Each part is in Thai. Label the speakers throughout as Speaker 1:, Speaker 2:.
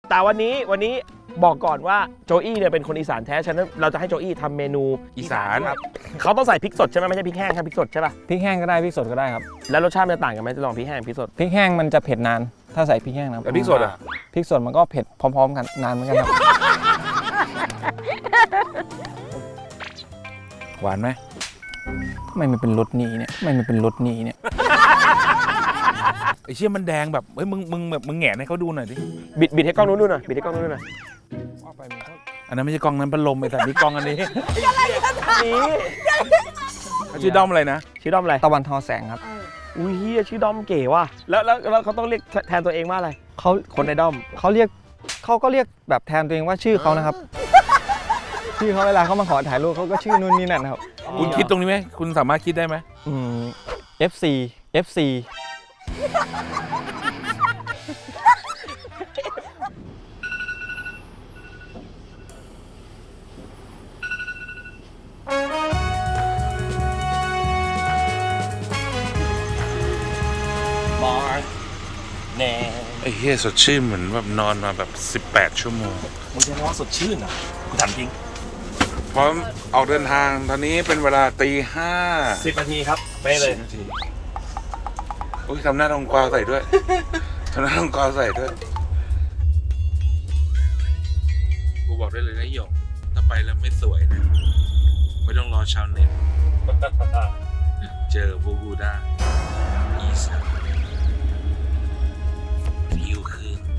Speaker 1: แต่วันนี้บอกก่อนว่าโจอี้เนี่ยเป็นคนอีสานแท้ฉะนั้นเราจะให้โจอี้ทำเมนูอีสานครับเขาต้องใส่พริกสดใช่ไหมไม่ใช่พริกแห้งครับพริกสดใช่ป่ะ
Speaker 2: พริกแห้งก็ได้พริกสดก็ได้ครับ
Speaker 1: แล้วรสชาติมันจะต่างกันไหมจะลองพริกแห้งพริกสด
Speaker 2: พริกแห้งมันจะเผ็ดนานถ้าใส่พริกแห้งนะ
Speaker 3: แต่พริกสดอ่ะ
Speaker 2: พริกสดมันก็เผ็ดพร้อมๆกันนานเหมือนกันครับ
Speaker 3: หวานไหม
Speaker 2: ทำไมมันเป็นรสนี้เนี่ยทำไมมันเป็นรสนี้เนี่ย
Speaker 3: ไอ้เชี่ยมันแดงแบบเฮ้ยมึงแหงนให้เขาดูหน่อยดิ
Speaker 1: บิดให้กล้องนู้นดูหน่อยบิดให้กล้องนู้นดูหน่อย
Speaker 3: อันนั้นไม่ใช่กล้องนั้นพัดลมไอ้แต่นี่กล้องอันนี้
Speaker 1: นี่
Speaker 3: ชื่อด้อมอะไรนะ
Speaker 1: ชื่อด้อมอะไร
Speaker 2: ตะวันทอแสงครับ
Speaker 1: อุ้ยเฮียชื่อด้อมเก๋ว่ะแล้วเขาต้องเรียกแทนตัวเองว่าอะไร
Speaker 2: เขา
Speaker 1: คนในด้อม
Speaker 2: เขาก็เรียกแบบแทนตัวเองว่าชื่อเขานะครับ ชื่อเขาเวลาเขามาขอถ่ายรูปเขาก็ชื่อนู่นนี่นั่นนะครับ
Speaker 3: คุณคิดตรงนี้ไหมคุณสามารถคิดได้ไหม
Speaker 2: FC
Speaker 3: ไอ้เฮียสดชื่นเหมือนแบบนอนมาแบบ18 ชั่วโมง
Speaker 1: มึงจะว่าสดชื่นอ่ะกูถามจริง
Speaker 3: พร้อมออกเดินทางตอนนี้เป็นเวลาตี
Speaker 1: 10 นาทีครับไปเลย
Speaker 3: 10 นาทีโอ้ยทำหน้าทองกวาวใส่ด้วย ทำหน้าทองกวาวใส่ด้วยกูบอกได้เลยนะหยงถ้าไปแล้วไม่สวยนะไม่ต้องรอชาวเน็ตเจอพวกกูได้อีสานผิวคืน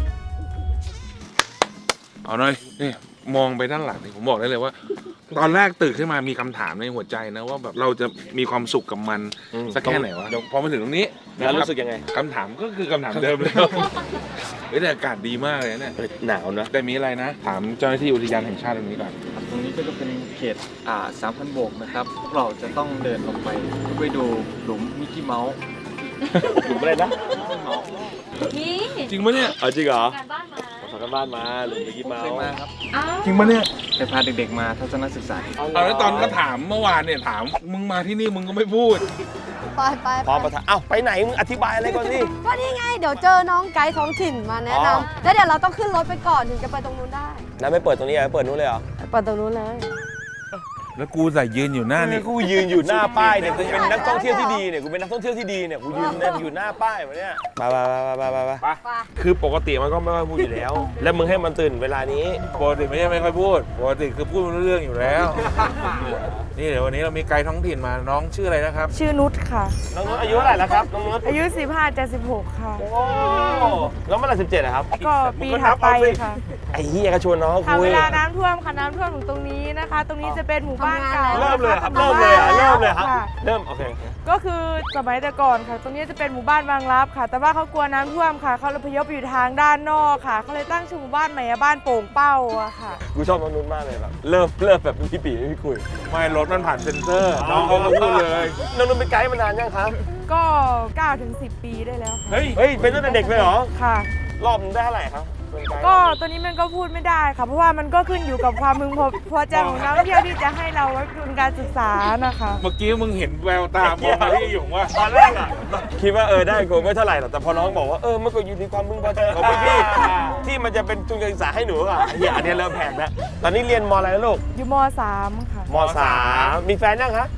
Speaker 3: เอาหน่อยนี่มองไปด้านหลังนี่ผมบอกได้เลยว่า ตอนแรกตื่นขึ้นมามีคำถามในหัวใจนะว่าแบบเราจะมีความสุขกับมันสักแค่ไหนวะพอมาถึงตรงนี้
Speaker 1: แล้วรู้สึกยังไง
Speaker 3: คำถามก็คือคำถามเดิมเลยเฮ้ยแต่อากาศดีมากเลยเนี่ย
Speaker 1: หนาวนะ
Speaker 3: แต่มีอะไรนะ ถามเจ้าหน้าที่อุทยานแห่งชาติตรงนี้ก่อน
Speaker 2: ตรงนี้ก็จะเป็นเขต3,000 โบกนะครับพวกเราจะต้องเดินลงไปดูหลุมมิกกี้เมาส์
Speaker 1: หลุมอะไรนะ
Speaker 4: นี่
Speaker 3: จริงปะเนี่ย
Speaker 1: เอาจริงเหรอ
Speaker 4: การบ้านมา
Speaker 1: ฝากกันบ้านมาหลุมมิกกี้เมา
Speaker 2: เคย
Speaker 1: ส์
Speaker 2: มาครับ
Speaker 4: อ้าว
Speaker 3: จริงปะเนี่ย
Speaker 2: ไปพาเด็กๆมาทัศนศึกษา
Speaker 3: เอาแล้วตอนก็ถามเมื่อวานเนี่ยถามมึงมาที่นี่มึงก็ไม่พูด
Speaker 5: ไป
Speaker 1: พร้อมประทะเอ้าไปไหนมึงอธิบายอะไรก่อนสิ
Speaker 5: ก็นี่ไง เดี๋ยวเจอน้องไกด์ท้องถิ่นมาแนะ
Speaker 1: อ๋อ
Speaker 5: นำแล้วเดี๋ยวเราต้องขึ้นรถไปก่อนถึงจะไปตรงนู้นได้
Speaker 1: แล้วไม่เปิดตรงนี้อ่ะเปิดนู้นเลยเหรอ
Speaker 5: ไปตรงนู้นเลย
Speaker 3: แล้วกูใส่ยืนอยู่หน้านี่
Speaker 1: กูยืนอยู่หน้าป้ายเนี่ยกูเป็นนักท่องเที่ยวที่ดีเนี่ยกูเป็นนักท่องเที่ยวที่ดีเนี่ยกูยืนอยู่หน้าป้ายมาเนี่ยไปคือปกติมันก็ไม่ค่อยพูดอยู่แล้ว แล้วมึงให้มันตื่นเวลานี้
Speaker 3: ปกติไม่ใช่ไม่ค่อยพูดปกติคือพูดไม่รู้เรื่องอยู่แล้ว นี่เดี๋ยววันนี้เรามีไกด์ท้องถิ่นมาน้องชื่ออะไรนะครับ
Speaker 6: ชื่อนุชค่ะ
Speaker 1: น้องนุชอายุเท่าไหร่แล้วครับน้องนุช
Speaker 6: อายุ 15 จะ 16 ค่ะ
Speaker 1: โอ้แล้วเมื่อไหร่17อะครับ
Speaker 6: ก็ปีถัดไปค่ะ
Speaker 1: ไอ้เหี้ยก็ชวนน้อง
Speaker 6: ค่ะ
Speaker 1: คุ
Speaker 6: เวย ลาน้ำท่วมค่ะน้ำท่วมถึงตรงนี้นะคะ ตรงนี้จะเป็นหมู่บ้านเก่า
Speaker 1: เริ่มเลยครับ
Speaker 6: นะะ
Speaker 1: เริ่มเลยอะเริ่มเลยครับ
Speaker 6: ค่ะ
Speaker 1: เริ่มโอเค
Speaker 6: ก็คือสมัยแต่ก่อนค่ะ ตรงนี้จะเป็นหมู่บ้านบางรับค่ะ แต่ว่าเขากลัวน้ำท่วมค่ะ เขาเลยพยพอยู่ทางด้านนอกค่ะ เขาเลยตั้งชื่อหมู่บ้านใหม่ว่าบ้านโป่งเป้าอะค่ะ
Speaker 1: กูชอบน้องนุชมากเลยแบบเริ่มแบบพี่ปีพี่คุย
Speaker 3: ไม่รถมันผ่านเซ็นเซอร์น้องเขาก็พูดเลย
Speaker 1: น้องนุชเป็นไกด์มานานยังครับ
Speaker 6: ก็9 ถึง 10 ปีได้แล้วค่ะ
Speaker 3: เฮ้ย
Speaker 1: เฮ้ยเป็นตั้งแต่เด็กเลยเหรอ
Speaker 6: ค่ะ
Speaker 1: รอบนึงได้เท่าไหร่ครับเป็นได์
Speaker 6: ก็ตัวนี้มันก็พูดไม่ได้ค่ะ เพราะว่ามันก็ขึ้นอยู่กับความพึงพอใจของนักท่องเที่ยวที่จะให้เราไว้ทุนการศึกษานะคะ
Speaker 3: เมื่อกี้มึงเห็นแววตามองมาที่หยงว่า
Speaker 1: ตอนแรกอะคิดว่าได้กูไม่เท่าไหร่หรอกแต่พอน้องบอกว่ามันก็อยู่ที่ความพึงพอใจของพี่ๆที่มันจะเป็นทุนการศึกษาให้หนูอ่ะเฮียอันนี้เริ่มแพงแล้วตอนนี้เรียนมอะไรนะลูก
Speaker 6: อยู่ม .3 ค่ะ
Speaker 1: ม3มีแฟนยังคะ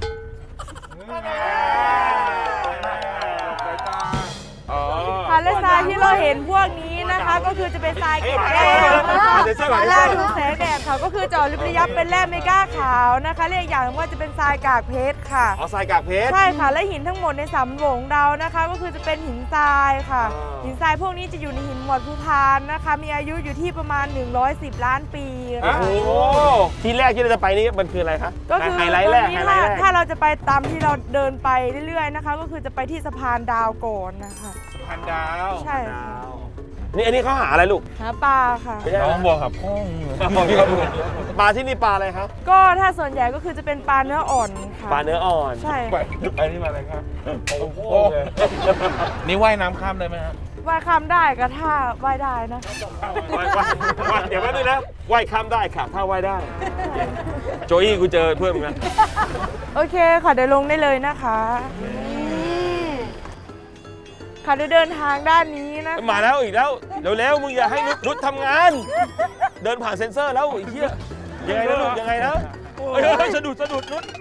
Speaker 6: ค่ะและทรายที่เราเห็นพวกนี้นะคะ ก็คือจะเป็นทรายเกล็ดแร่นะคะ
Speaker 1: เดี๋ยวช่วยก่อน
Speaker 6: แร่ดูแสงแดดค่ะก็คือเจาะลึกระยับเป็นแร่เมก้าขาวนะคะเรียกอย่างว่าจะเป็นทรายกากเพชรค่ะ
Speaker 1: เอาทรายกากเพชร
Speaker 6: ใช่ค่ะและหินทั้งหมดในสำโรงเรานะคะ ก็คือจะเป็นหินทรายค่ะ
Speaker 1: อ๋อ
Speaker 6: หินทรายพวกนี้จะอยู่ในหินหมวดภูพานนะคะ มีอายุอยู่ที่ประมาณ110 ล้านปี
Speaker 1: โอ้
Speaker 6: ค่ะ
Speaker 1: โหที่แรกที่เราจะไปนี่มันคืออะไรคะ
Speaker 6: ก็คือ
Speaker 1: ไฮ
Speaker 6: ต
Speaker 1: ไล
Speaker 6: อน
Speaker 1: ท์แรก
Speaker 6: นี้
Speaker 1: ไฮไลท์แรก
Speaker 6: ถ้าเราจะไปตามที่เราเดินไปเรื่อยๆนะคะ ก็คือจะไปที่สะพานดาวก่อนนะคะ
Speaker 3: พันดาว
Speaker 6: ใช่ค่ะ
Speaker 1: นี่อันนี้เขาหาอะไรลูก
Speaker 6: หาปลาค่ะ
Speaker 1: ไม่ใช่
Speaker 3: น้องบอกกับพ่อ
Speaker 1: ปลาที่นี่ปลาอะไรครับ
Speaker 6: ก็ถ้าส่วนใหญ่ก็คือจะเป็นปลาเนื้ออ่อนค่ะ
Speaker 1: ปลาเนื้ออ่อน
Speaker 6: ใช่
Speaker 3: ไป
Speaker 6: ค่ะ
Speaker 3: ไปนี่มาอะไรครับโอ้โหนี่ว่ายน้ำข้ามได้ไหมฮะ
Speaker 6: ว่ายข้ามได้ก็ถ้าว่ายได้นะ
Speaker 1: เดี๋ยวแป๊บนึงนะว่ายข้ามได้ค่ะถ้าว่ายได้ โจอี้กูเจอเพื่อนมึงนะ
Speaker 6: โอเคค่ะเดี๋ยวลงได้เลยนะคะ ค่ะเดี๋ยวเดินทางด้านนี้นะ
Speaker 1: มาแล้วอีกแล้วเร็วๆมึงอย่าให้นุชทำงาน เดินผ่านเซ็นเซอร์แล้วไอ้เหี้ยยังไงนะนุชยังไงนะเฮ้ยสะดุดนุช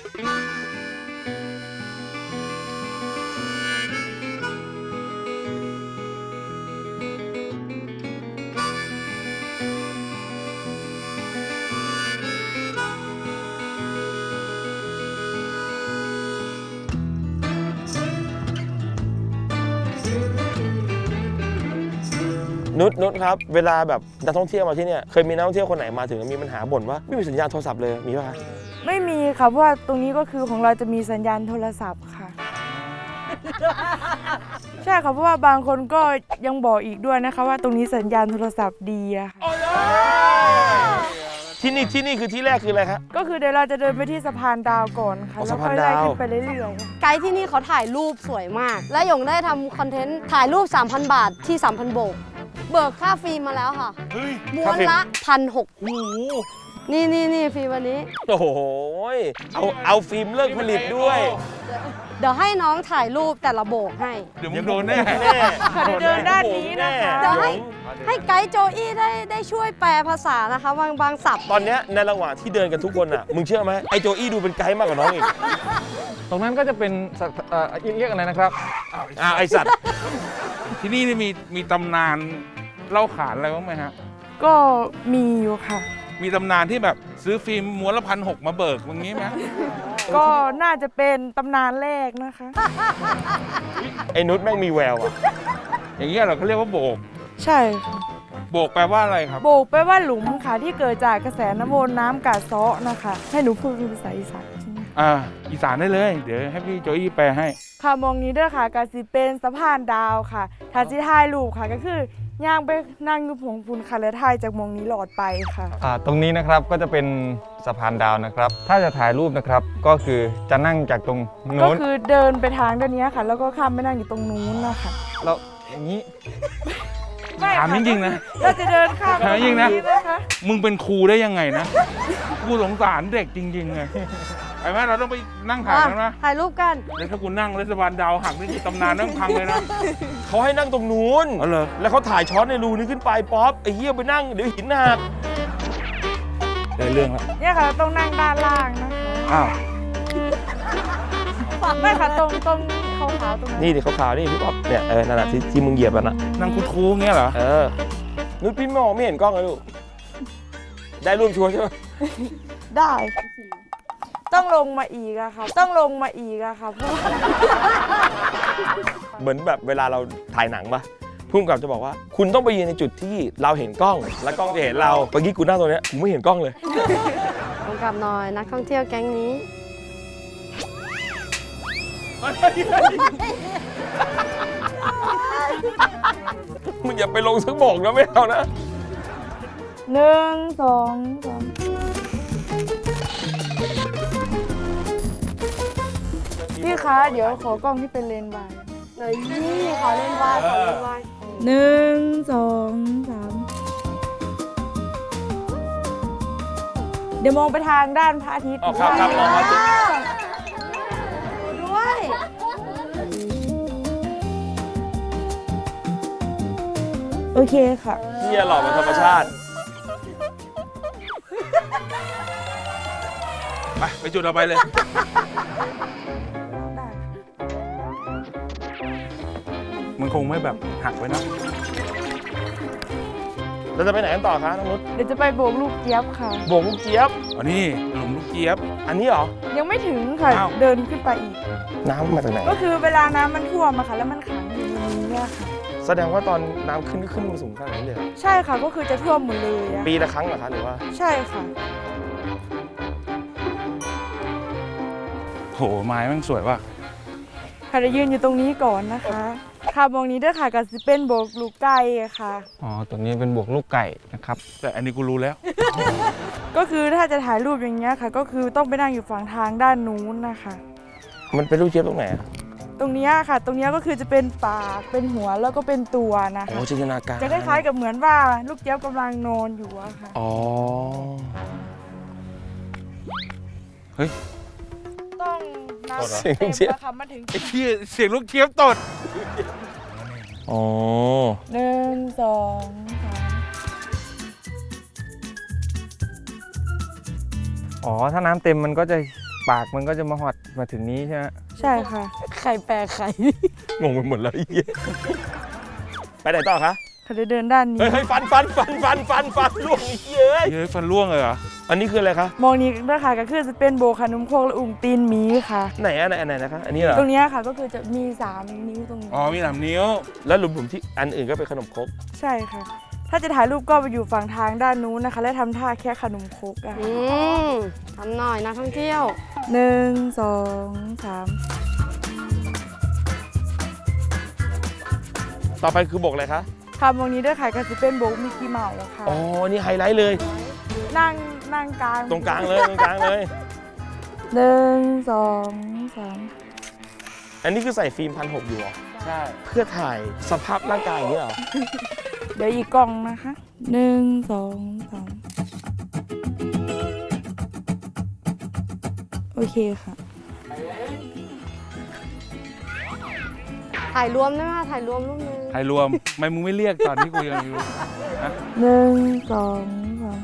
Speaker 1: นุชครับเวลาแบบนักท่องเที่ยวมาที่เนี่ยเคยมีนักท่องเที่ยวคนไหนมาถึงมีปัญหาบ่นว่าไม่มีสัญญาณโทรศัพท์เลยมีป่ะคะ
Speaker 6: ไม่มีค่ะเพราะว่าตรงนี้ก็คือของเราจะมีสัญญาณโทรศัพท์ค่ะ ใช่ค่ะเพราะว่าบางคนก็ยังบอกอีกด้วยนะคะว่าตรงนี้สัญญาณโทรศัพท์ดีอะค่ะ
Speaker 1: ที่นี่คือที่แรกคืออะไรครับ
Speaker 6: ก็คือเดี๋ยวเราจะเดินไปที่สะพานดาวก่อนค่ะ
Speaker 1: อ๋อ
Speaker 6: แล้ว
Speaker 1: สะพา
Speaker 6: ค่
Speaker 1: น
Speaker 6: อยไล่
Speaker 1: ดาว
Speaker 6: ขึ้นไปเรื่อยๆ
Speaker 5: ไกด์ที่นี่เขาถ่ายรูปสวยมาก และหยงได้ทำคอนเทนต์ถ่ายรูป 3,000 บาทที่ 3,000 โบก เบิกค่าฟิล์มมาแล้วค่ะม้วนละ 1,600
Speaker 1: โอ้โห
Speaker 5: นี่ฟิล์มวันนี้
Speaker 1: โอ้โหเอาฟิล์มเลิกผลิตด้วย
Speaker 5: เดี๋ยวให้น้องถ่ายรูปแต่ละโบกให้
Speaker 3: เดี๋ยวมึงโดนแน่
Speaker 6: ค่ะเดี๋ยวเดินด้านนี้นะคะ
Speaker 5: เดี๋ยวให้ไกด์โจอี้ได้ช่วยแปลภาษานะคะบางศัพท์
Speaker 1: ตอนเนี้ยในระหว่างที่เดินกันทุกคนอ่ะมึงเชื่อไหมไอโจอี้ดูเป็นไกด์มากกว่าน้องอีก
Speaker 2: ตรงนั้นก็จะเป็นเรียกอะไรนะครับ
Speaker 1: ไอสัตว์
Speaker 3: ที่นี่มีตำนานเล่าขานอะไรบ้างไหมฮะ
Speaker 6: ก็มีอยู่ค่ะ
Speaker 3: มีตำนานที่แบบซื้อฟิล์มม้วนละ1,600มาเบิกอย่างนี้ไหม
Speaker 6: ก็น่าจะเป็นตำนานแรกนะคะ
Speaker 1: ไอ้นุชแม่งมีแววอ่ะ
Speaker 3: อย่างเงี้ยเราก็เรียกว่าโบก
Speaker 6: ใช่ค่ะ
Speaker 3: โบกแปลว่าอะไรครับ
Speaker 6: โบกแปลว่าหลุมค่ะที่เกิดจากกระแสน้ำวนน้ำกัดเซาะนะคะ ให้หนูพูดเป็นภาษาอีสานใช่ไหม
Speaker 3: อีสานได้เลย เดี๋ยวให้พี่โจอี้แปลให้
Speaker 6: ค่ะมองนี้ด้วยค่ะกาสิเป็นสะพานดาวค่ะถ้าสิถ่ายรูปค่ะก็คือย่างไปนั่งอยู่ผงปูนค่ะและถ่ายจากมองนี้หลอดไปค่ะ
Speaker 2: ตรงนี้นะครับก็จะเป็นสะพานดาวนะครับ ถ้าจะถ่ายรูปนะครับก็คือจะนั่งจากตรง
Speaker 6: ก็
Speaker 2: โน้น
Speaker 6: คือเดินไปทางด้านนี้ค่ะ แล้วก็ข้ามไปนั่งอยู่ตรงนู้นนะคะ
Speaker 2: แล้วอย่างนี้
Speaker 6: ไม่
Speaker 3: ถาม
Speaker 6: ค่ะ
Speaker 3: จริงๆนะ
Speaker 6: เราจะเดินข้ามไป
Speaker 3: ถามจริงๆนะ
Speaker 6: ตนะคะ
Speaker 3: มึงเป็นครูได้ยังไงนะ กูสงสารเด็กจริงๆไงไอ้แม่เราต้องไปนั่งถ่ายกันนะ
Speaker 5: ถ่ายรูปกัน
Speaker 3: แล้วถ้ากูนั่งรัฐบาลดาวหักนี่คือตำนานนั่งพังเลยนะ
Speaker 1: เขาให้นั่งตรงนู้น
Speaker 3: อ๋อเหรอ
Speaker 1: แล้วเขาถ่ายช้อนในรูนี้ขึ้นไปป๊อปไอ้เหี้ยไปนั่งเดี๋ยวหินหัก
Speaker 3: ได้เรื่องละ
Speaker 6: เนี่ยค่ะเราต้องนั่งด้านล่างนะคะ
Speaker 3: อ้าว
Speaker 6: ไม่ค่ะตรงขาวๆตรงนั้น
Speaker 1: นี่ดิขาวๆนี่พี่ป๊อปเนี่ยนั่นแหละที่มึงเหยียบอ่ะนะ
Speaker 3: นั่งคูๆเงี้ยเหรอ
Speaker 1: นุชพี่มองไม่เห็นกล้องเลยลูกได้รูปชัวร์ใช่ไหม
Speaker 6: ได้ค่ะต้องลงมาอีกอะค่ะต้องลงมาอีกอะค่ะเพราะว่า
Speaker 1: เหมือนแบบเวลาเราถ่ายหนังปะพุ่มกับจะบอกว่า คุณต้องไปยืนในจุดที่เราเห็นกล้อง และกล้องจะเห็นเราเมื่อกี้กูนั่งตรงเนี้ยกูไม่เห็นกล้องเลย
Speaker 5: ลงกลับหน่อยนักท่องเที่ยวแก๊งนี้
Speaker 1: มึงอย่าไปลงสักบอกนะไม่เอานะ
Speaker 6: 1 2 3พี่คะเดี๋ยวขอกล้องที่เป็นเลนส์วาย
Speaker 5: นี่ขอเล่นวายขอเล่นวาย
Speaker 6: 1 2 3เดี๋ยวมองไปทางด้านพระอาทิตย์
Speaker 1: อ๋อครับมองพระอาทิตย์
Speaker 5: ด้วย
Speaker 6: โอเคค่ะ
Speaker 1: เหี้ยหล่อเป็นธรรมชาติ
Speaker 3: ไปจุดเราไปเลย
Speaker 6: ได้
Speaker 3: มันคงไม่แบบหักไว้นะ
Speaker 1: เราจะไปไหนกันต่อคะน้องนุช
Speaker 6: เดี๋ยวจะไปโบกลูกเจี๊ยบค่ะ
Speaker 1: โบกลูกเจี๊ยบ
Speaker 3: อ๋อนี่หลุมลูกเจี๊ยบ
Speaker 1: อันนี้เหรอ
Speaker 6: ยังไม่ถึงค่ะ
Speaker 3: อ้าว
Speaker 6: เดินขึ้นไปอีก
Speaker 1: น้ำมาจากไหน
Speaker 6: ก็คือเวลาน้ำมันท่วมอะค่ะ แล้วมันขังอยู่ในนี้อะค่ะ
Speaker 1: แสดงว่าตอนน้ำขึ้นก็ขึ้นมาสูงขนาดนี้เลยเหรอ
Speaker 6: ใช่ค่ะก็คือจะท่วมหมดเลยอะ
Speaker 1: ปีละครั้งเหรอคะหรือว่า
Speaker 6: ใช่ค่ะ
Speaker 3: โหไม้แม่งสวยว่ะ
Speaker 6: ค่ะจะยืนอยู่ตรงนี้ก่อนนะคะ ค่ะมองนี้ด้วยค่ะกับซิเป็นโบกลูกไก่อะค่ะ
Speaker 2: อ๋อตรงนี้เป็นบวกลูกไก่นะครับ
Speaker 3: แต่อันนี้กูรู้แล้ว
Speaker 6: ก็คือถ้าจะถ่ายรูปอย่างเงี้ยค่ะ ก็คือต้องไปนั่งอยู่ฝั่งทางด้านนู้นนะคะ
Speaker 1: มันเป็นลูกเจี๊ยบตรงไหนอะ
Speaker 6: ตรงเนี้ยค่ะ ตรงเนี้ยก็คือจะเป็นปากเป็นหัวแล้วก็เป็นตัวนะ
Speaker 1: โอ้
Speaker 6: คะ
Speaker 1: จินตนาการ
Speaker 6: จะคล้ายๆกับเหมือนว่าลูกเจี๊ยบกำลังนอนอยู่อะค่ะ
Speaker 1: อ๋อ
Speaker 3: เฮ้ย
Speaker 6: ต้องน้ำ
Speaker 1: เสียงลู
Speaker 6: เต็
Speaker 1: กเจี๊ยบ
Speaker 6: มอะค่ะมาถึง
Speaker 3: ไอ้เหี้ยเสียงลูกเจี๊ยบตด
Speaker 1: อ๋อ
Speaker 6: 1 2 3
Speaker 2: อ๋อ ถ้าน้ำเต็มมันก็จะปากมันก็จะมาหอดมาถึงนี้ใช่ไหม
Speaker 6: ใช่ค่ะ
Speaker 5: ไข่แปลไข่
Speaker 1: งงไปหมดแล้วไอ้เหี้ยไปไหนต่อคะ
Speaker 6: เขาจะเดินด้านนี้
Speaker 1: เฮ้ยฟันล่วงไอ้เหี้ย
Speaker 3: เฮ้ยฟันร่วงเลยเหรอ
Speaker 1: อันนี้คืออะไรคะ
Speaker 6: มองนี้ด้วยค่ะก็คือจะเป็นโบขนมโคกและอุ่งตีนหมีค่ะ
Speaker 1: ไหนนะคะอันนี้เหรอ
Speaker 6: ตรงเนี้ยค่ะก็คือจะมี3นิ้วตรงนี้
Speaker 3: อ๋อมี3 นิ้ว
Speaker 1: แล้วหลุมๆที่อันอื่นก็เป็นขนมครก
Speaker 6: ใช่ค่ะ ถ้าจะถ่ายรูปก็ไปอยู่ฝั่งทางด้านนู้นนะคะ และทำท่าแค่ขนมครกอะ
Speaker 5: อืมทำหน่อยนักท่องเที่ยว
Speaker 6: 1 2 3
Speaker 1: ต่อไปคือบกอะไรคะ
Speaker 6: ค่ะมองนี้ด้วยค่ะก็จะเป็นโบกมิกกี้เมาส์ค่ะ
Speaker 1: อ๋อ นี่ไฮไลท์เลย
Speaker 6: นั่งกลาง
Speaker 1: ตรงกลางเลย
Speaker 6: 1 2 3
Speaker 1: อันนี้คือใส่ฟิล์ม1,600อยู่เหรอ
Speaker 3: ใช่
Speaker 1: เพื่อถ่ายสภาพร่างกายอย่างนี้เหรอ
Speaker 6: เดี๋ยวอีกกล่องนะคะ1 2 3โอเคค่ะ
Speaker 5: ถ่ายรวมได้ไหมคะถ่ายรวมรูปนึง
Speaker 3: ไทยรวมทำไมมึงไม่เรียกตอนที่กูยังอยู่
Speaker 6: 1 2 3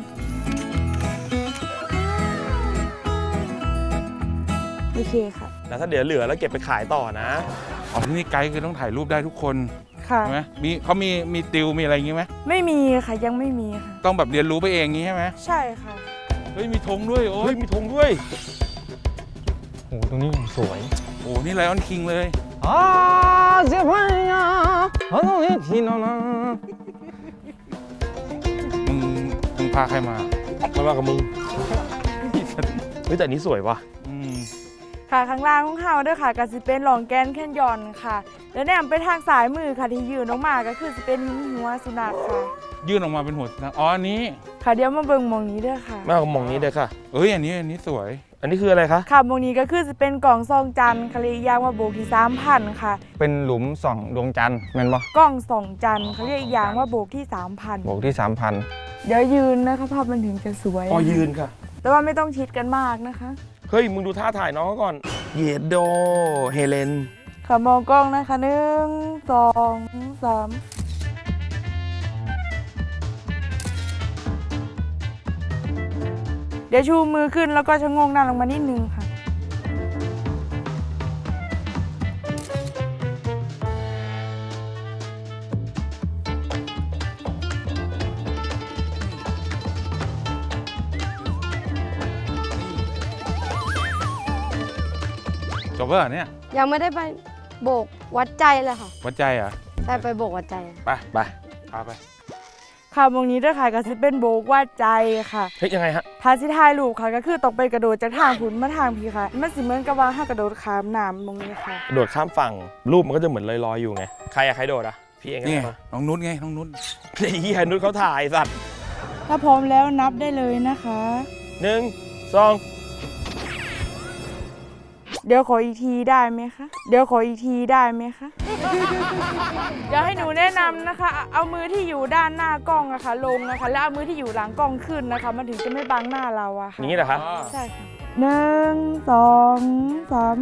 Speaker 6: โอเคค่ะ
Speaker 1: แล้วถ้าเดี๋ยวเหลือแล้วเก็บไปขายต่อนะ
Speaker 3: อ๋อที่นี่ไกด์คือต้องถ่ายรูปได้ทุกคน
Speaker 6: ค่ะ
Speaker 3: ใช่ไหมเขามีติวมีอะไรอย่างงี้ไหม
Speaker 6: ไม่มีค่ะยังไม่มีค่ะ
Speaker 3: ต้องแบบเรียนรู้ไปเองงี้ใช่ไหม
Speaker 6: ใช่ค่ะ
Speaker 3: เฮ้ยมีธงด้วยโอ้
Speaker 1: เฮ้
Speaker 3: ย
Speaker 1: ย มีธงด้วย
Speaker 2: โอ้โหตรงนี้อย่างสวย
Speaker 3: โอ้นี่ไลออนคิงเลย
Speaker 2: อ่าเจ็บไหมอ่ะเอาตรงนี้ทีนอนนะ
Speaker 3: มึงพาใครมา
Speaker 1: ไม่ว่ากับมึง เฮ้ยแต่อันนี้สวยว่ะ
Speaker 3: อืม
Speaker 6: ค่ะข้างล่างของเขาด้วยค่ะก็จะเป็นหลองแกนแคนยอนค่ะ แล้วแนมไปทางสายมือค่ะที่ยืนออกมาก็คือจะเป็นหัวสุนัขค่ะ
Speaker 3: ยื่นออกมาเป็นหัวอ๋ออันนี้
Speaker 6: ค่ะเดี๋ยวมาเบิ่งหมองนี้ด้วยค่ะ
Speaker 1: มากกว่ามองนี้เลยค่ะ
Speaker 3: เอ้ยอันนี้สวย
Speaker 1: อันนี้คืออะไรคะ
Speaker 6: ค่ะหมองนี้ก็คือจะเป็นกล่องซองจันทร์เขาเรียกอีกอย่างว่าโบกที่3,000ค่ะ
Speaker 2: เป็นหลุมส่องดวงจันทร์แม่นปะ
Speaker 6: กล่องสองจันทร์เขาเรียกอีกอย่างว่าโบกที่3,000
Speaker 2: บอกที่ 3,000
Speaker 6: เดี๋ยวยืนนะคะภาพมันถึงจะสวย
Speaker 1: อ๋อยืนค่ะ
Speaker 6: แต่ว่าไม่ต้องชิดกันมากนะคะ
Speaker 1: เฮ้ย มึงดูท่าถ่ายน้องเขาก่อน เยดโด เฮเลน
Speaker 6: ค่ะมองกล้องนะคะ1 2 3เดี๋ยวชูมือขึ้นแล้วก็ชะโงงหน้าลงมานิดนึงค่ะ
Speaker 3: จบแล้วเหรอเนี่ย
Speaker 5: ยังไม่ได้ไปโบกวัดใจเลยค่ะ
Speaker 3: วัดใจเหรอ่ะ
Speaker 5: แต่ไปโบกวัดใจ
Speaker 1: ไปไป
Speaker 3: พาไป
Speaker 6: ค่ะมองนี้ด้วยค่ะก็จะเป็นโบกว่าใจค่ะ
Speaker 1: เฮ้ยยังไงฮะ
Speaker 6: ทาสิทายรูปค่ะก็คือต้องไปกระโดดจากทางผุนมาทางพีค่ะ มันสิเหมือนกับว่าถ้ากระโดดขามน้ำมองนี้ค่ะ
Speaker 1: โดดข้ามฝั่ง รูปมันก็จะเหมือนลอยๆอยู่ไง ใครอะใครโดดอะพี่เองก็
Speaker 3: นี่
Speaker 1: ได้ปะ
Speaker 3: น้องนุชไงน้องนุช
Speaker 1: ไอ้เหี้ยนุชเขาถ่ายสัตว์
Speaker 6: ถ้าพร้อมแล้วนับได้เลยนะคะ
Speaker 1: 1 2
Speaker 6: เดี๋ยวขออีกทีได้ไหมคะ เดี๋ยวขออีกทีได้ไหมคะ เดี๋ยวให้หนูแนะนำนะคะ เอามือที่อยู่ด้านหน้ากล้องอะค่ะลงนะคะ แล้วเอามือที่อยู่หลังกล้องขึ้นนะคะ มันถึงจะไม่บังหน้าเราอะ
Speaker 1: อ
Speaker 6: ค่ะ
Speaker 1: ย่างนี้เหรอคะ
Speaker 6: ใช่ค่ะ1 2 3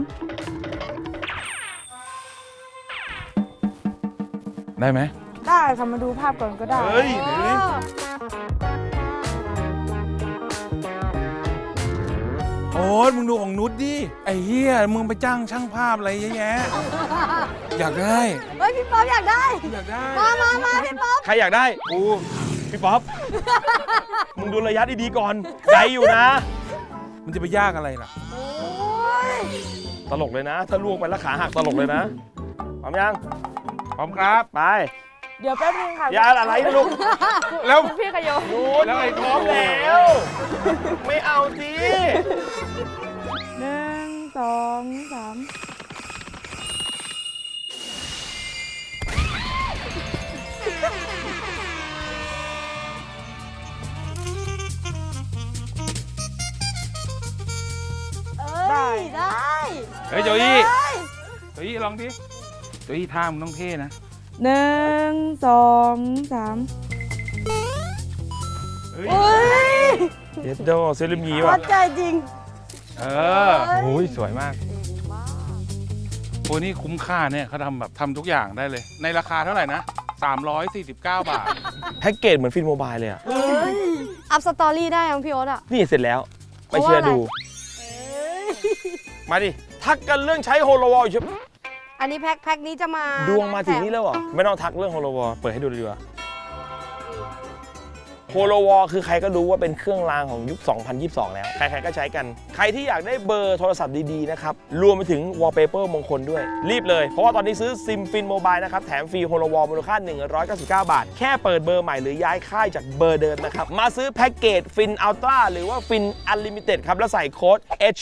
Speaker 3: ได้ไหม
Speaker 6: ได้ค่ะมาดูภาพก่อนก็ได้
Speaker 3: เฮ้ยเดี๋ยวนี้โอ๊ตมึงดูของนุชดิ ไอ้เหี้ย มึงไปจ้างช่างภาพอะไรเยอะแยะ อยากได้
Speaker 5: เฮ้ย พี่ป๊อปอยากได้
Speaker 3: อยากได้
Speaker 5: มาพี่ป๊อป
Speaker 1: ใครอยากได้ กู พี่ป๊อป มึงดูระยะดีๆก่อนไกลอยู่นะ
Speaker 3: มันจะไปยากอะไรล่ะ
Speaker 1: ตลกเลยนะ ถ้าล่วงไปแล้วขาหักตลกเลยนะ พร้อมยัง
Speaker 3: พร้อมครับ
Speaker 1: ไป
Speaker 6: เดี๋ยวแป๊บนึงค่ะ
Speaker 1: อย่าอะไรนะลูก
Speaker 3: แล้ว
Speaker 6: พี่ขยโย
Speaker 1: นูนแล้วไอ้พร้อมแล้ว ไม่เอาสิ
Speaker 6: 1 2 3
Speaker 5: เอ้ย ได้
Speaker 3: เฮ้ยโจอี้โจอี้ลองดิโจอี้ท่ามึงต้องเท่นะ
Speaker 6: 1 2 3
Speaker 3: เฮ้ย
Speaker 5: เฮ้ย
Speaker 1: เย็ดโดเซเลมี
Speaker 5: วั
Speaker 1: ว่ะ
Speaker 5: ดใจจริง
Speaker 3: เออ
Speaker 2: โอ้ยสวยมาก
Speaker 5: เก่งมาก
Speaker 3: โอ้นี่คุ้มค่าเนี่ยเขาทำทุกอย่างได้เลย ในราคาเท่าไหร่นะ 349 บาท
Speaker 1: แพ็กเกจเหมือนฟินโมบายเลยอ่ะ
Speaker 5: อัพสตอรี่ได้ยังพี่โอ๊ตอ่ะ
Speaker 1: นี่เสร็จแล้ว ไปเชื่อดู มาดิ ทักกันเรื่องใช้โฮโลวอลอยู่
Speaker 5: อันนี้แพ็คนี้จะมา
Speaker 1: ดวงมาถึงนี่แล้วเหรอ ไม่ต้องทักเรื่องโฮโลวอลเปิดให้ดูเลยดีกว่าโฮโลวอลคือใครก็รู้ว่าเป็นเครื่องรางของยุค 2022 แล้ว ใครๆก็ใช้กัน ใครที่อยากได้เบอร์โทรศัพท์ดีๆนะครับ รวมไปถึงวอลเปเปอร์มงคลด้วย รีบเลย เพราะว่าตอนนี้ซื้อซิมฟินโมบายนะครับ แถมฟรีโฮโลวอลมูลค่า 199 บาท แค่เปิดเบอร์ใหม่หรือย้ายค่ายจากเบอร์เดิมนะครับ มาซื้อแพ็กเกจฟินอัลตร้าหรือว่าฟินอัลลิมิเต็ดครับ แล้วใส่โค้ด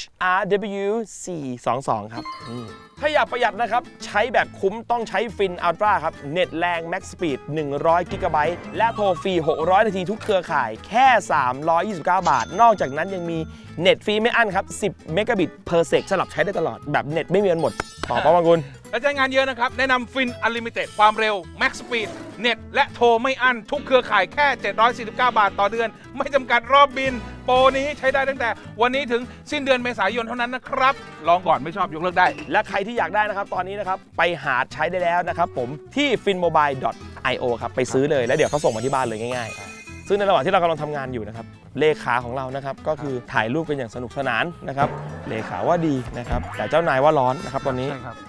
Speaker 1: HRW422 ครับถ้าอยากประหยัดนะครับ ใช้แบบคุ้มต้องใช้ฟินอัลตร้าครับ เน็ตแรง Max Speed 100 กิกะไบต์และโทรฟรี 600 นาทีทุกเครือข่ายแค่ 329 บาท นอกจากนั้นยังมีเน็ตฟรีไม่อั้นครับ 10 เมกะบิตเพอร์เซกสลับใช้ได้ตลอด แบบเน็ตไม่มีวันหมด ต่อป้าวังกุล
Speaker 3: และใช้งานเยอะนะครับ แนะนำฟินอ n ลิมิเต็ดความเร็ว Max Speed เน็ตและโทรไม่อั้นทุกเครือข่ายแค่ 749 บาทต่อเดือน ไม่จำกัดรอบบิน โปรนี้ใช้ได้ตั้งแต่วันนี้ถึงสิ้นเดือนเมษายนเท่านั้นนะครับ ลองก่อนไม่ชอบยกเลิกได้
Speaker 1: และใครที่อยากได้นะครับ ตอนนี้นะครับ ไปหาใช้ได้แล้วนะครับผมที่ finmobile.io ครับ ไปซื้อเลยแล้วเดี๋ยวเขาส่งมาที่บ้านเลยง่ายๆ ซึ่งในระหว่างที่เรากำลังทำงานอยู่นะครับ เลขาของเรานะครับ ก็คือถ่ายรูปกันอย่างสนุกสนานนะครับ เลขาว่าดีนะครับ แต่เจ้านายว่าร้อนนะครับตอนนี้
Speaker 3: ใช่ครับ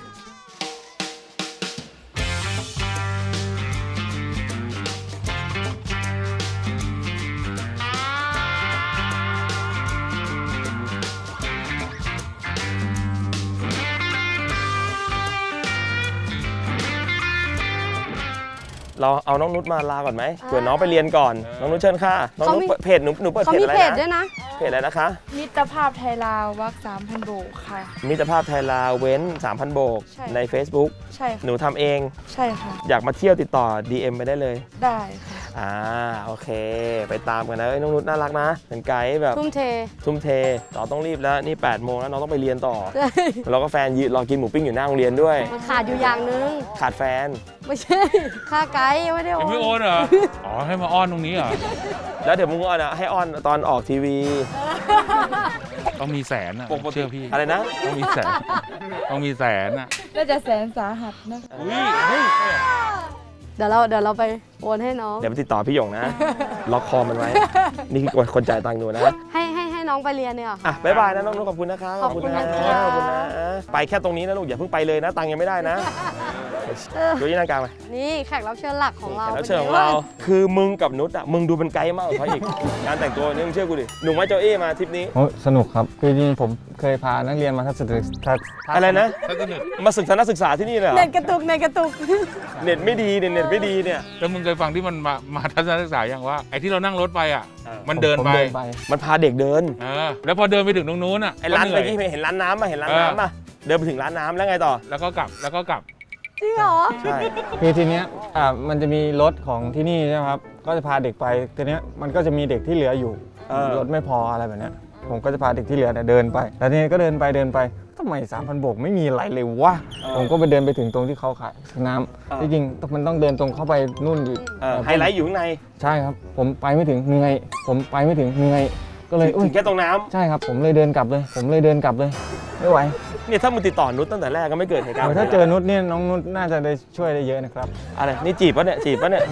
Speaker 1: เราเอาน้องนุชมาลาก่อนไหมเผื่อน้องไปเรียนก่อน น้องนุชเชิญค่ะ น้องนุชเปิดเพจหนูเปิด
Speaker 5: เขา
Speaker 1: เพจ
Speaker 5: มี
Speaker 1: อะไร
Speaker 5: เพจด้ว
Speaker 1: นะ
Speaker 5: ยนะ
Speaker 1: เพจอะไรนะคะ
Speaker 6: มิตรภาพไทยลาววัก3,000 โบกค่ะ
Speaker 1: มิตรภาพไทยลาวเว้น 3,000 โบก
Speaker 6: ใช่
Speaker 1: ใน Facebook
Speaker 6: ใช่ค่ะ
Speaker 1: หนูทำเอง
Speaker 6: ใช่ค่ะ
Speaker 1: อยากมาเที่ยวติดต่อ DM ไปได้เลย
Speaker 6: ได้ค่ะ
Speaker 1: โอเค ไปตามกันนะน้องนุชน่ารักนะเป็นไกด์แบบ
Speaker 5: ทุ่มเท
Speaker 1: ทุ่มเทต่อต้องรีบแล้วนี่8 โมงแล้วน้องต้องไปเรียนต่อ แล้วก็แฟนยืนรอกินหมูปิ้งอยู่หน้าโรงเรียนด้วย
Speaker 5: มันขาดอยู่อย่างนึง
Speaker 1: ขาดแฟน
Speaker 5: ไม่ใช่ ค่าไกด์ยังไม่ได้โอ
Speaker 3: ยังไม่โอน
Speaker 5: น
Speaker 3: เหรอ อ๋อ ให้มาอ้อนตรงนี้เหรอ
Speaker 1: แล้วเดี๋ยวมึงก็ให้อ้อนตอนออกทีวี
Speaker 3: ต้องมีแสนอ่ะ
Speaker 1: ปกติ
Speaker 3: เชื่อพี่
Speaker 1: อะไรนะ
Speaker 3: ต้องมีแสน ต้องมีแสนอ่ะ
Speaker 6: น่าจะแสนสาหัสนะ
Speaker 3: อุ้ยเฮ้ย
Speaker 5: เดี๋ยวเราไปโอนให้น้อง
Speaker 1: เดี๋ยวไปติดต่อพี่หยงนะ ล็อกคอมันไว้ นี่คือคนจ่ายตังค์หนูนะ
Speaker 5: ให้น้องไปเรียนเนี่ยเหรอ
Speaker 1: อ่ะบ๊ายบายนะน้องนุชขอบคุณนะคะ
Speaker 5: ขอบคุณ
Speaker 1: นะ
Speaker 5: นะคะ
Speaker 1: ขอบคุณนะไปแค่ตรงนี้นะลูกอย่าเพิ่งไปเลยนะ ตังค์ยังไม่ได้นะดูที่นั่งกลางไป
Speaker 5: นี่แขกรับเชิญหลักของเรา
Speaker 1: แขกรับเชิญของเรา คือมึงกับนุชอ่ะมึงดูเป็นไกด์มากกว่าเขาอีก การแต่งตัวนี่มึงเชื่อกูดิหนุ่มไม้เจ้าเอ้มาทริปนี้
Speaker 2: โอ้สนุกครับคือจริงๆผมเคยพานักเรียนมาทัศนศึกษา
Speaker 1: อะไรนะ
Speaker 3: ถ้าจะหนึ่ง
Speaker 1: มาศึกษาศึกษาที่นี่เลยเหรอ
Speaker 5: เน็ตกระตุก
Speaker 1: เน็ตไม่ดีเน็ตไม่ดีเนี่ย
Speaker 3: แล้วมึงเคยฟังที่มันมาทัศนศึกษาอย่างว่า ไอ้ที่เรานั่งรถไปอ่ะ
Speaker 1: เออ
Speaker 3: มันเดิน
Speaker 2: ผม
Speaker 3: ไป
Speaker 2: เดินไป
Speaker 1: มันพาเด็กเดิน
Speaker 3: แล้วพอเดินไปถึงตรงนู้นอ่ะ
Speaker 1: ไอ้ร้าน
Speaker 3: เห
Speaker 1: เมื่อ
Speaker 3: อย
Speaker 1: กี้เห็นร้านน้ำป่ะเห็นร้านน้ำป่ะเดินไปถึงร้านน้ำแล้วไงต่อ
Speaker 3: แล้วก็กลับ แล้วก็กลับ
Speaker 5: จริงเหรอ
Speaker 1: ใช่
Speaker 2: คือทีเนี้ยมันจะมีรถของที่นี่ใช่ไหมครับ ก็จะพาเด็กไป ทีเนี้ยมันก็จะมีเด็กที่เหลืออยู่ รถไม่พออะไรแบบเนี้ย ผมก็จะพาเด็กที่เหลือเนี่ยเดินไป แล้วทีนี้ก็เดินไปทำไม 3,000 โบกไม่มีอะไรเลยวะ ผมก็ไปเดินไปถึงตรงที่เขาขายน้ำที่จริงมันต้องเดินตรงเข้าไปนู่นอีก
Speaker 1: ไฮไลท์อยู่ข้างใน
Speaker 2: ใช่ครับ ผมไปไม่ถึงเหนื่อยก็เลย
Speaker 1: ถึงแค่ตรงน้
Speaker 2: ใช่ครับ ผมเลยเดินกลับเลย ไม่ไหว
Speaker 1: ำเนี่ยถ้ามึงติดต่อนุชตั้งแต่แรกก็ไม่เกิดเหตุการณ์
Speaker 2: ถ้าเจอนุชเนี่ยน้องนุชน่าจะได้ช่วยได้เยอะนะครับ
Speaker 1: อะไรนี่จีบปะเนี่ย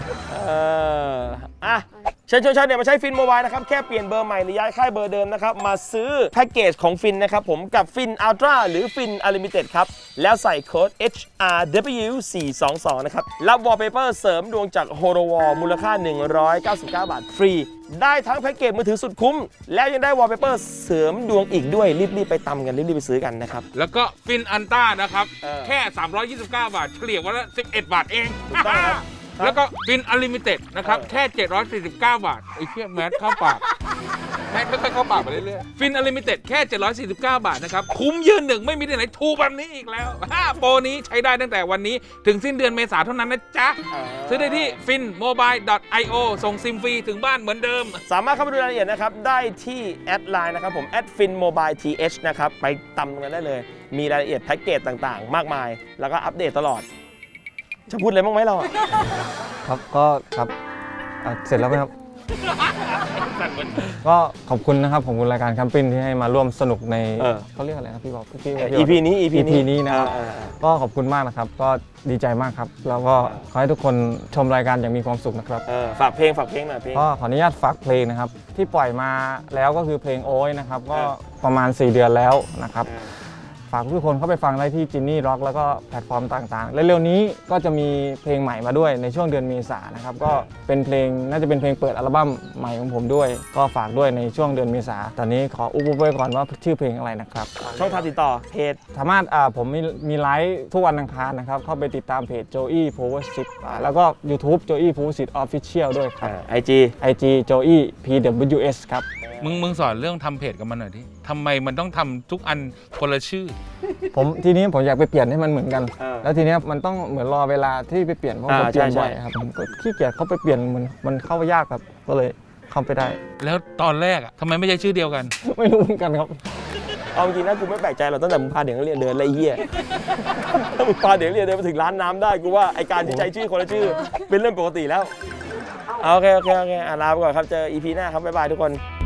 Speaker 1: อ่ะเชิญเนี่ยมาใช้ฟินโมบายนะครับแค่เปลี่ยนเบอร์ใหม่หรือย้ายค่ายเบอร์เดิมนะครับมาซื้อแพ็กเกจของฟินนะครับผมกับฟินอัลตร้าหรือฟินอ n ลิมิเต็ดครับแล้วใส่โค้ด HRW422 นะครับรับวอลเปเปอร์เสริมดวงจากโฮโลวอลมูลค่า 199 บาทฟรี ได้ทั้งแพ็กเกจมือถือสุดคุ้ม แล้วยังได้วอลเปเปอร์เสริมดวงอีกด้วยรีบไปตำกันรีบไปซื้อกันนะครับ
Speaker 3: แล้วก็ฟินอันต้านะครับ
Speaker 1: เออ
Speaker 3: แค่ 329 บาท เฉลี่ยวันละ 11 บาทเอง
Speaker 1: ถูกต้องครับ
Speaker 3: แล้วก็ฟินอ n ลิมิเต็ดนะครับ แค่ 749 บาท ไอ้เชี่ยแมสเข้าปาก แมสค่อยๆเข้าปากไปเรื่อยๆ ฟินอ n ลิมิเต็ดแค่ 749 บาทนะครับ คุ้มยืนหนึ่งไม่มีที่ไหนถูกแบบนี้อีกแล้ว โปรนี้ใช้ได้ตั้งแต่วันนี้ถึงสิ้นเดือนเมษายนเท่านั้นนะจ๊ะ ซื้อได้ที่ finmobile.io ส่งซิมฟรีถึงบ้านเหมือนเดิม
Speaker 1: สามารถเข้าไปดูรายละเอียดนะครับได้ที่แอดไลน์นะครับผม@finmobilethนะครับไปตำกันได้เลย มีรายละเอียดแพ็กเกจต่างๆ มากมาย แล้วก็อัปเดตตลอด จะพูดอะไรบ้างไหมเราอะ
Speaker 2: ครับก็ครับเสร็จแล้วไหมครับก็ขอบคุณนะครับขอบคุณรายการแคมปิ้งที่ให้มาร่วมสนุกในเขาเรียกอะไรนะพี่บอกพี่
Speaker 1: EP นี้ EP
Speaker 2: นี้นะครับก็ขอบคุณมากนะครับก็ดีใจมากครับแล้วก็ขอให้ทุกคนชมรายการอย่างมีความสุขนะครับ
Speaker 1: ฝากเพลงหน่อยเพลง
Speaker 2: ก็ขออนุญาตฝากเพลงนะครับที่ปล่อยมาแล้วก็คือเพลงโอ้ยนะครับก็ประมาณ4 เดือนแล้วนะครับฝากทุกคนเข้าไปฟังได้ที่จินนี่ร็อกแล้วก็แพลตฟอร์มต่างๆและเร็วนี้ก็จะมีเพลงใหม่มาด้วยในช่วงเดือนเมษายนนะครับก็เป็นเพลงน่าจะเป็นเพลงเปิดอัลบั้มใหม่ของผมด้วยก็ฝากด้วยในช่วงเดือนเมษายนตอนนี้ขออุบไว้ก่อนว่าชื่อเพลงอะไรนะครับ
Speaker 1: ช่องทางติดต่อเพจ
Speaker 2: สามารถผมมีไลฟ์ทุกวันอังคารนะครับเข้าไปติดตามเพจ Joey Power Sit แล้วก็ YouTube Joey Power Sit Official ด้วยครับ IG Joey PWS ครับ
Speaker 3: มึงสอนเรื่องทำเพจกับมันหน่อยดิทำไมมันต้องทำทุกอันคนละชื่อ
Speaker 2: ทีนี้ผมอยากไปเปลี่ยนให้มันเหมือนกัน แล้วทีนี้มันต้องเหมือนรอเวลาที่ไปเปลี่ยนเพราะผมเปลี่ยนบ่อยครับผมก็ขี้เกียจเข้าไปเปลี่ยนมันเข้ายากครับก็เลยเข้าไปได้
Speaker 3: แล้วตอนแรกทำไมไม่ใช่ชื่อเดียวกัน
Speaker 2: ไม่รู้เหมือนกันครับ
Speaker 1: เอาจริงนะกูไม่แปลกใจหรอกตั้งแต่มึงพาเด็กนักเรียนเดินไรเหี้ยถ้ามึงพาเด็กนักเรียนเดินไปถึงร้านน้ำได้กูว่าไอการที่ใช้ชื่อคนละชื่อเป็นเรื่องปกติแล้วโอเคลาไปก่อนครับเจอ EP หน้าครับบ๊ายบายทุกคน